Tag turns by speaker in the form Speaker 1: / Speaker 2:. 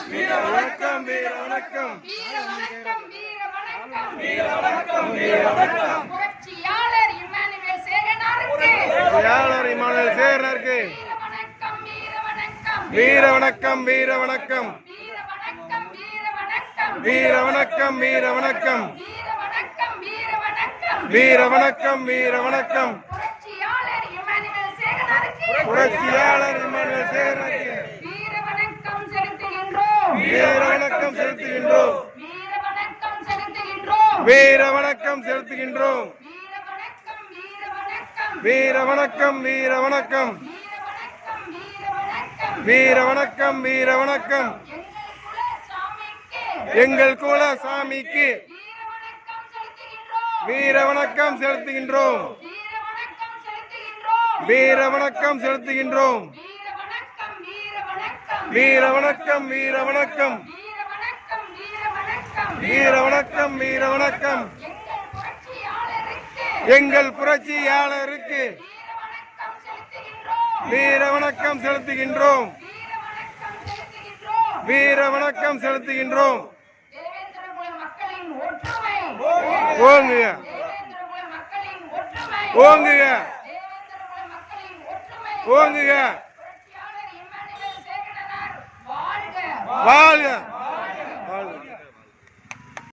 Speaker 1: வீர வணக்கம் வீர வணக்கம்
Speaker 2: வீர வணக்கம் வீர வணக்கம்
Speaker 1: வீர வணக்கம் வீர வணக்கம்
Speaker 2: புரட்சியாளர் இமானுவேல் சேகனாருக்கு
Speaker 1: புரட்சியாளர் இமானுவேல் சேகனாருக்கு
Speaker 2: வீர வணக்கம்
Speaker 1: வீர வணக்கம் வீர வணக்கம்
Speaker 2: வீர வணக்கம் வீர வணக்கம்
Speaker 1: வீர வணக்கம் வீர வணக்கம் வீர வணக்கம் வீர வணக்கம்
Speaker 2: புரட்சியாளர் இமானுவேல் சேகனாருக்கு
Speaker 1: புரட்சியாளர் இமானுவேல் சேகனாருக்கு
Speaker 2: வீர வணக்கம் செலுத்துகின்றோம்
Speaker 1: வீர வணக்கம் செலுத்துகின்றோம்
Speaker 2: வீர வணக்கம் செலுத்துகின்றோம்
Speaker 1: வீர வணக்கம் செலுத்துகின்றோம்
Speaker 2: வீர வணக்கம் வீர வணக்கம்
Speaker 1: வீர வணக்கம் வீர வணக்கம் எங்கள் குல சாமிக்கு வீர வணக்கம் செலுத்துகின்றோம் வீர வணக்கம் செலுத்துகின்றோம் வீர வணக்கம் வீர வணக்கம் வீர வணக்கம் வீர வணக்கம் எங்கள் புரட்சியாளருக்கு வீர வணக்கம் செலுத்துகின்றோம் வீர வணக்கம் செலுத்துகின்றோம் ஓங்குக ஓங்குக ஓங்குக வாழ்க